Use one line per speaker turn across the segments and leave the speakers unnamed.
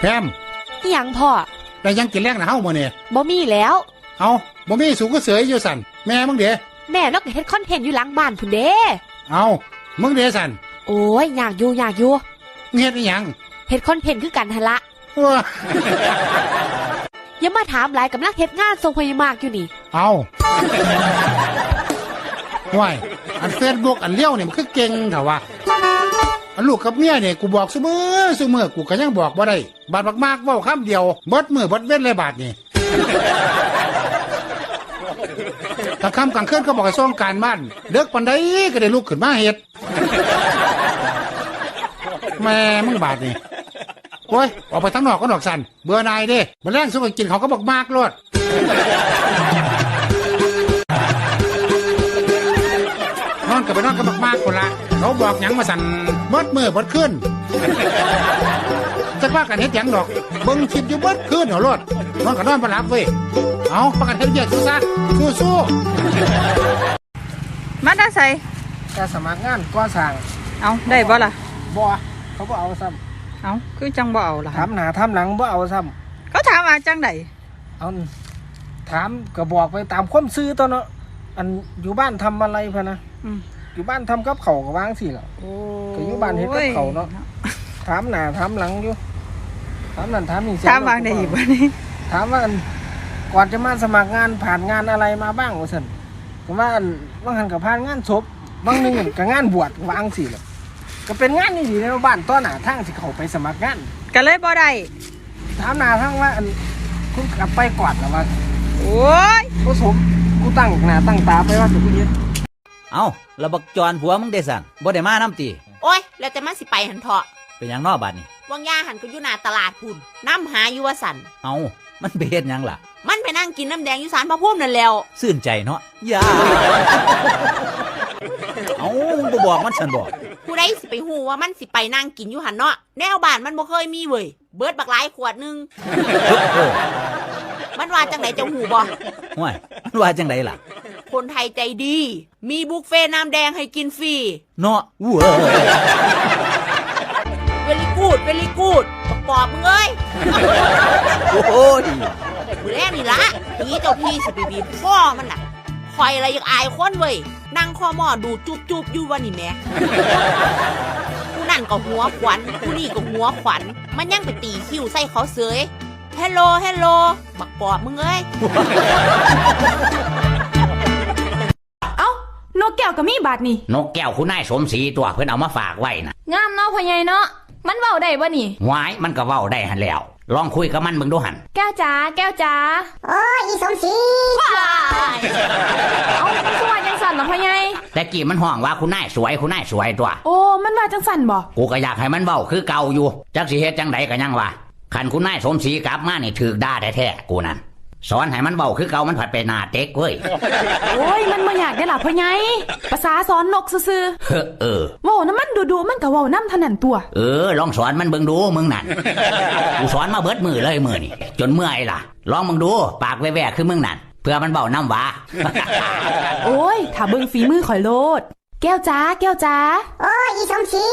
แพม
อิหยังพ่อ
ได้ยังกินแรงนะเฮามื้อนี้
บ่มีแล้ว
เอาบ่มีสูงก็เสยอยู่สั่นแม่มึงเด้
แม่เราก็เฮ็ดคอนเทนต์อยู่หลังบ้านพุ่นเด้
เอามึงเด้สั่น
โอ้ยอยากอยู่
เฮ็ดอีหยัง
เฮ็ดคอนเทนต์คือกันหั่นละอย่ามาถามหลายกำลังเฮ็ดงานทรงพยามากอยู่นี่
เอาห่วยอัน Facebook อันเลี้ยวนี่มันคือเก่งเถอะวะอันลูกกับเมียเนี่ยกูบอกซุมื้อกูก็ยังบอกบ่ได้บาดมากๆเว้าคำเดียวเบิดมื้อเบิดเว้นเลยบาดนี่ถ้าค่ำกลางคืนก็บอกให้ส่งการบ้านเด็กปานใดก็ได้ลุกขึ้นมาเฮ็ดแม่มึงบาดนี่โอ้ยออกไปทั้งนอกก็ดอกสันเบื่อนายเด้มันแรงสุกกินเขาก็บอกมากโลดนอนกับไปนอนก็บอกมากคนละเขาบอกหยังมาสั่นเบิดมือเบิดขึ้นจะว่ากันเฮ็ดหยังดอกเบิ่งคลิปอยู่เบิดขึ้นเหรอโลดนอนกับนอนบ่หลับเว้ยเอาประกันเฮ็ดเยอะสู้ซะสู้
มาได้ใส่
จะสมัครงานก่อสร้าง
เอาได้บ่ล่ะ
บ่เขาบ่เอาซ้
ำเอาคือจังบ่เอาล่ะ
ถามหน้าถามหลังบ่เอาซ้
ำเขาถามว่าจังได
เอาถามก็บอกไปตามความซื่อตัวเนาะอันอยู่บ้านทำอะไรพะนะอยู่บ้านทำกับเขาก็วางสิล่ะก็อยู่บ้านเฮ็ดกับเขาเนาะถามหน้าถามหลังอยู่ถามนั่นถามนี่
ถามวางได้อีกบ่นี่
ถามว่าก่อนจะมาสมัครงานผ่านงานอะไรมาบ้างว่าซั่นก็ว่าบางหันก็ผ่านงานศพบางนึงก็งานบวชวางสิล่ะก็เป็นงานนี่ดีในบ้านต้นหน้าทางสิเขาไปสมัครงาน
ก็เลยบ่ได้
ถามหน้าทางว่าคุณกลับไปกอดแล้วว่า
โอ้ย
ผู้สมกูตั้งหน้าตั้งตาไปว่าจะกูยึด
เอาระบักจรผัวมึงได้สั่นบ่ได้มาน้ำตี
โอ้ยแล้วแต่มันสิไปหันเถาะ
เป็นหยังนอกบ้านนี่
วังยาหันก็อยู่หน้าตลาดพุ่นน้ำหาอยู่ว่าสัน
เอามันไปเฮ็ดหยังล่ะ
มันไปนั่งกินน้ำแดงอยู่ศาลพระภูมินั่นแล้ว
ซื่นใจเนาะอย่าเอามึงบ่บอกมันสั่นบอก
ผู้ใดสิไปฮู้ว่ามันสิไปนั่งกินอยู่หันเนาะแนวบ้านมันบ่เคยมีเว้ยเบิดบักหลายขวดนึงมันว่าจังไดเจ้าฮู้บ่
ห่วยมันว่าจังไดล่ะ
คนไทยใจดีมีบุฟเฟ่น้ำแดงให้กินฟรี
เนาะว้า
เวลิกูดปอบมึงเอ้ย
โอ้ย
มือแรกนี่ละนี่เจ้าพี่สิบีพ่อมันน่ะคอยอะไรยังอายคนเว้ยนั่งคอหม้อดูจุบอยู่วันนี้แม่ผู้นั่นก็หัวขวัญผู้นี่ก็หัวขวัญมันยังไปตีคิ้วใส่เขาเสยเฮลโลบักปอบมึงเอ้ย
นกแก้วก็มีบาดนี่
นกแก้วคุณนายสมศรีตัวเพิ่นเอามาฝากไว้น่ะ
งามเนาะพ่อใหญ่เนาะมันเว้าได้บ่นี่
หวายมันก็เว้าได้หั่นแล้วลองคุยกับมันเบิ่งดูหั่น
แก้วจ๋า
โอ้ยอีสมศรี
เอามันสวยจังสั่นเหรอพ่อใหญ่
แต่กี้มันห้องว่าคุณนายสวยตัว
โอ้มันว่าจังสั่นบ่
กูก็อยากให้มันเว้าคือเก่าอยู่จักสิเฮ็ดจังไดก็ยังว่าคันคุณนายสมศรีกลับมานี่ถูกด่าแท้ๆกูนั่นสอนให้มันเบาคือเก่ามันผัดไปหน้าเต็กเว้ย
โอ้ยมันบ่อยากได้ล่ะพ่อใหญ่ภาษาสอนนกซื่อเว้าน้ำมันดูมันก็เว้านำเท่านั้นตัว
ลองสอนมันเบิ่งดูมึงนั่นกูสอนมาเบิดมือเลยมื้อนี่จนเมื่อยล่ะลองมึงดูปากแว่ๆคือมึงนั่นเพื่อมันเบาน้ำหวา
โอ้ยถ้าเบิ่งฝีมือข่อยโลดแก้วจ๋า
โอ้ยอีสมศรี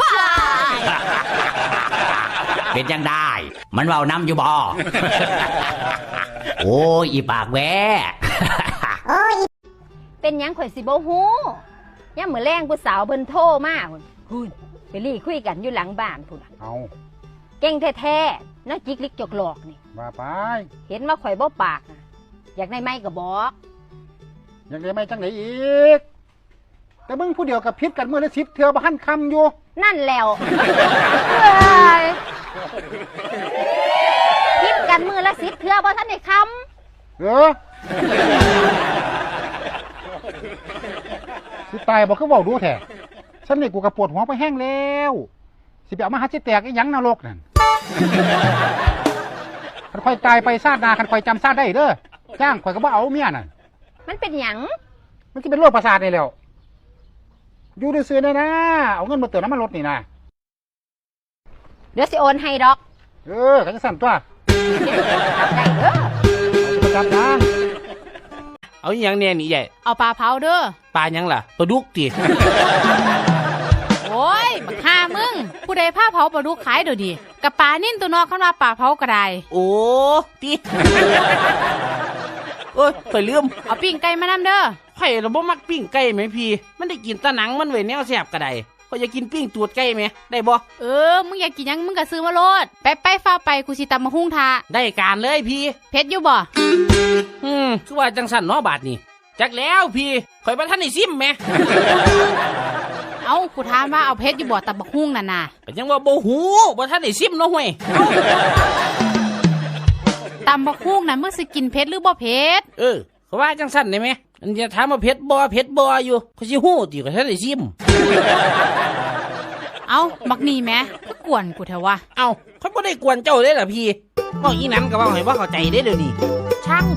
เป็นจังได้มันเบาน้ำอยู่บ่โอ้ยอีปากแว่
โอ้ย
เป็นหยังข่อยสิบ่ฮู้ยามมื้อแลงผู้สาวเพิ่นโทรมาพุ่นไปลี่คุยกันอยู่หลังบ้านพุ่น
เอา
เก่งแท้ๆนักจิกลิกจกหลอกนี่
ว่าไป
เห็นว่าข่อยบ่ปากนะอยากได้ไม้ก็บอก
อยากได้ไม้จังได๋อีกแต่มึงผู้เดียวกับพิษกันมื้อละ10เทื่อบ่ทันคำอยู่
นั่นแล้วพิษกันมื้อละ10เทื่อบ่ทันได้คำ
สิตายบ่คือเว้าดูแท้ฉันนี่กูก็ปวดหัวไปแห้งแล้วสิไปเอามาหาสิแตกอีหยังนรกนั่นคันค่อยตายไปชาติหน้าคันค่อยจำชาติได้เด้อจ้างค่อยก็บ่เอาเมียนั่น
มันเป็นหยัง
มันสิเป็นโรคประสาทนี่แล้วอยู่ซื่อๆได้นะเอาเงินมาเติมน้ำมันรถนี่นะ
เดี๋ยวสิโอนให้ดอก
กันจะสั่นตัว
ได้เด้อ
ประจำนะ
เอาอย่างแน่นี่ใหญ่
เอาปลาเผาเด้อ
ปลายังล่ะปลาดุกติ
โอ้ยบักฆ่ามึงผู้
ใดผ้าเผาปลาดุกขายเดี๋ยวนี้กับปลานิ่นตัวนอกขึ้นมาปลาเผาก็ได้
โอ้ติโอ้ยข่อยลืม
เอาปิ้งไก่มานำเด้อ
ไข่เราบ่มักปิ้งไก่ไหมพี่มันได้กินแตะหนังมันไว้แนวแสบก็ได้ข่อยอยากกินปิ้งตูดไก่ไหมได้บ่
มึงอยากกินหยังมึงก็ซื้อมาโลดไปฟ้าไปกูสิตำมะฮุ่งทา
ได้การเลยพี่
เผ็ดอยู่บ่
คือว่าจังสันเนาะบาทนี่จักแล้วพี่ข่อยบ่ทันได้ซิมแหม
เอากูถามว่าเอาเผ็ดอยู่บ่ตำมะฮุ่งนั่นน่ะ
ก็ยังว่าบ่ฮู้บ่ทันได้ซิมเนาะห่วย
ตำมะฮุ่งน่ะมึงสิกินเผ็ดหรือบ่เผ็ด
เขาว่าจังสันได้ไหมอันจะถามว่าเผ็ดบ่อยู่เขาสิฮู้ติก็ทันได้ซิม
เอาบักนี่แหมก็กวนกูแถววะ
เอาเขาบ่ได้กวนเจ้าเด้ล่ะพี่บอกอีนั้นก็เว้าให้ว่าเข้าใจเด้เดี๋ยวนี้ช่าง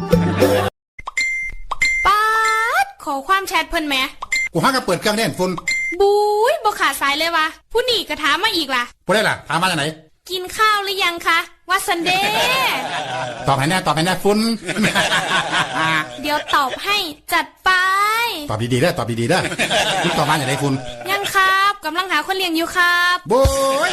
ป๊าดขอความแชทเพิ่นแหม
กูหาก็เปิดเครื่องเล่นฝุ่น
บุ้ยบ่ขาดสายเลยวะผู้นี่ก็ถามมาอีกล่ะ
บ่ได้ล่ะถามมาจากไหน
กินข้าวหรือยังคะว่าซันเดย์
ตอบให้แน่ฝุ่น
เดี๋ยวตอบให้จัดไป
ตอบดีๆได้อตอบดีๆได้อมึงตอบมาจากไหนฝุ่น
ยังครับกำลังหาคนเลี้ยงอยู่ครับ
โบ้ย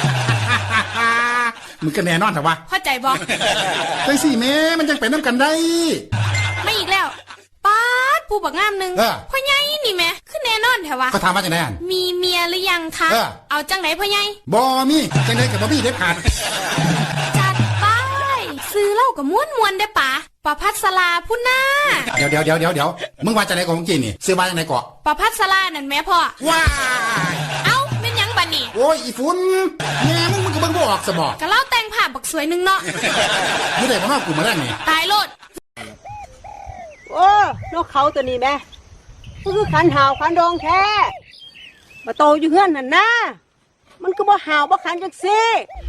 มึงก็แน่นอนแต่ว่า
เข้าใจบ่
จังสี่แม่มันจังเป็นน้ำกันได้
ไม่อีกแล้วป๊าดผู้บักงามหนึง
เออ
พ่อใหญ่นี่แหม่คือแน่นอนแถววะ
ก็ถามมาจากไหนอ่ะ
มีเมียหรือยังคะ
เออ
เอาจังไหนพ่อใหญ่
บอมี่จังไดกับบอมี่เด็ดขาด
จัดไปซื้อเหล้ากับม้วนๆได้ปะประพัสราพุ่นหน้า
เดี๋ยวมึงว่าจากไหนก่อนของจีนนี่ซื้อมาจากไหนเกาะ
ประพัสรานั่นแม่พ่อ
ว้า
เอ้าเป็นหยังบัดนี่
โอ้ยอีฝุ่นแม่มึงก็เบิ่งบ่ออกสบอก
กะเล่าแต่งผ้าบักสวยหนึงเนาะ
มึงได้มาว่ากูมาได้นี่
ตายโลด
โอ้นกเขาตัวนี้แม่ก็คือขันหาวขันดองแท้มาโตอยู่เฮือนหันนะมันก็บ่หาวบ่ขันจังซี่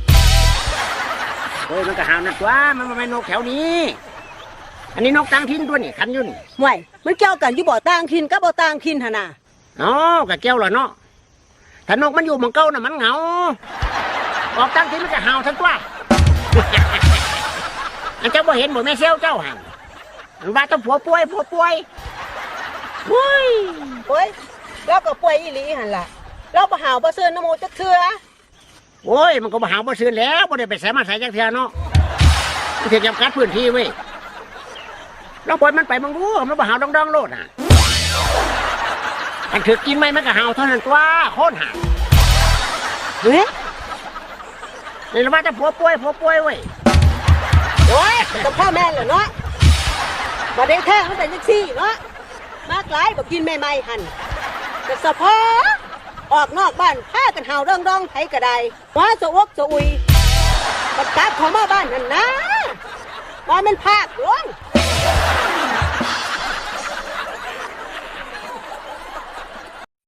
เฮ้ยมันก็หาวนั่นตัวมันบ่แม่นนกแถวนี้ อันนี้นกต่างถิ่นตัวนี่คันอยู่นี่
ห่วยมันเกี่ยวกันอยู่บ่ต่างถิ่นกับบ่ต่างถิ่นหั่นน่ะ
อ๋อก็เกี่ยวล่ะเนาะถ้านกมันอยู่หม่องเก่าน่ะมันเหงาออกต่างถิ่นมันก็หาวทั้งตัว อันเจ้าบ่เห็นบ่แม่เซลเจ้าหั่นมันว่าต้องผัวป่วย
โอ้ยแล้วก็ป่วยอีหลีหั่นล่ะเราบ่หาวบ่ซื่นน้ำมูจักเทื่อ
โอ้ยมันก็บ่หาวบ่ซื่นแล้วบ่ได้ไปใส่มาใส่จักเทื่อเนาะมันสิจำกัดพื้นที่เว้ยเราปล่อยมันไปมึงรู้มันบ่หาวดองๆโลดน่ะอันถือกินไหมมันก็หาวเท่านั้นตัวโคตรหา
เฮ้ย
นี่ละว่าจะผัวป่วยเว้ย
โอ้ยกับพ่อแม่เหรอเนาะบ่ได้แท้มันเป็นจังซี่เนาะมากหลายบ่กินใหม่ๆหั่นแต่สะพอออกนอกบ้านพากันหาวดองๆไผก็ได้ว่าสะอกสะอุยบัดกลับเข้ามาบ้านนั่นนะว่ามันภาคหลวง